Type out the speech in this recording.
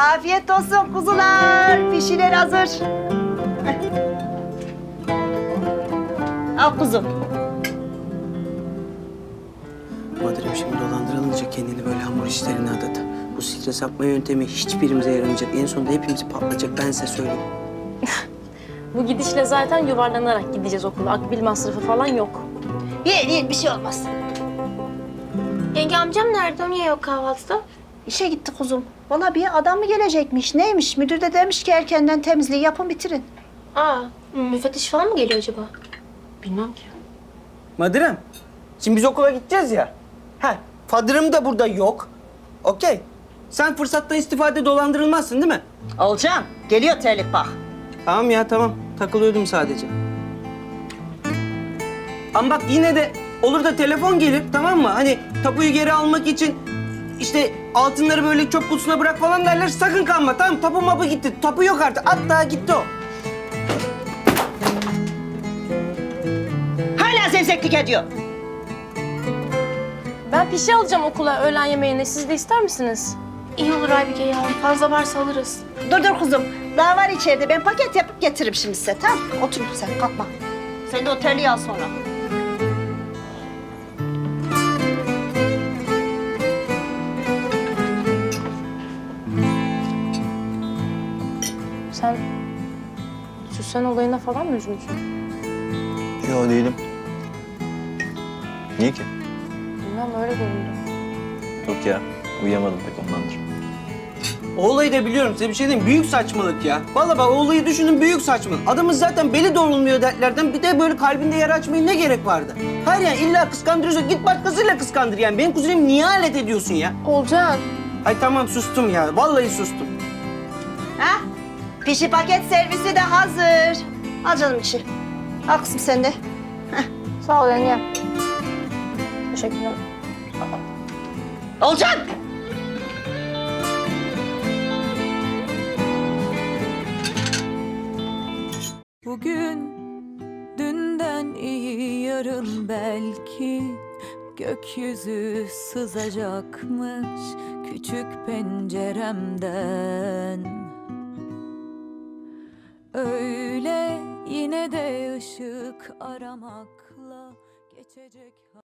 Afiyet olsun kuzular. Pişiler hazır. Heh. Al kuzum. Madem şimdi dolandırılınca kendini böyle hamur işlerine adadı. Bu stres atma yöntemi hiçbirimize yaramayacak. En sonunda hepimizi patlayacak, ben size söyleyeyim. Bu gidişle zaten yuvarlanarak gideceğiz okula. Akbil masrafı falan yok. Yiyin bir şey olmaz. Yenge amcam nerede? O niye yok kahvaltıda? İşe gitti kuzum. Bana bir adam mı gelecekmiş? Neymiş? Müdür de demiş ki erkenden temizliği yapın bitirin. Aa, müfettiş falan mı geliyor acaba? Bilmem ki. Madırım, şimdi biz okula gideceğiz ya. Fadırım da burada yok. Okey. Sen fırsattan istifade dolandırılmazsın değil mi? Olcan geliyor terlik bak. Tamam ya, tamam. Takılıyordum sadece. Ama bak yine de olur da telefon gelir, tamam mı? Hani tapuyu geri almak için işte altınları böyle çöp kutusuna bırak falan derler. Sakın kanma, tamam. Tapu mapı gitti. Tapu yok artık. Hatta gitti o. Hala zevzeklik ediyor. Ben pişi alacağım okula öğlen yemeğine. Siz de ister misiniz? İyi olur Aybike ya. Fazla varsa alırız. Dur kuzum. Daha var içeride. Ben paket yapıp getiririm şimdi size. Tamam. Otur sen kalkma. Sen de o terliği al sonra. Sen Süsen olayına falan mı üzüldün? Yok değilim. Niye ki? Bilmem öyle göründü. Yok ya. Uyuyamadım pek ondandır. O olayı da biliyorum. Size bir şey diyeyim mi? Büyük saçmalık ya. Vallahi bak o olayı düşünün, büyük saçmalık. Adamın zaten beli doğrulmuyor dertlerden. Bir de böyle kalbinde yara açmaya ne gerek vardı? Hayır yani illa kıskandırıyorsun. Git başkasıyla kıskandır yani. Benim kuzenimi niye alet ediyorsun ya? Olcan. Ay tamam sustum ya. Vallahi sustum. Ha? Pişi paket servisi de hazır. Al canım içi. Al kızım sen de. Sağ ol yenge. Teşekkürler. Olcan! Bugün dünden iyi yarın belki gökyüzü sızacakmış küçük penceremden. Öyle yine de ışık aramakla geçecek.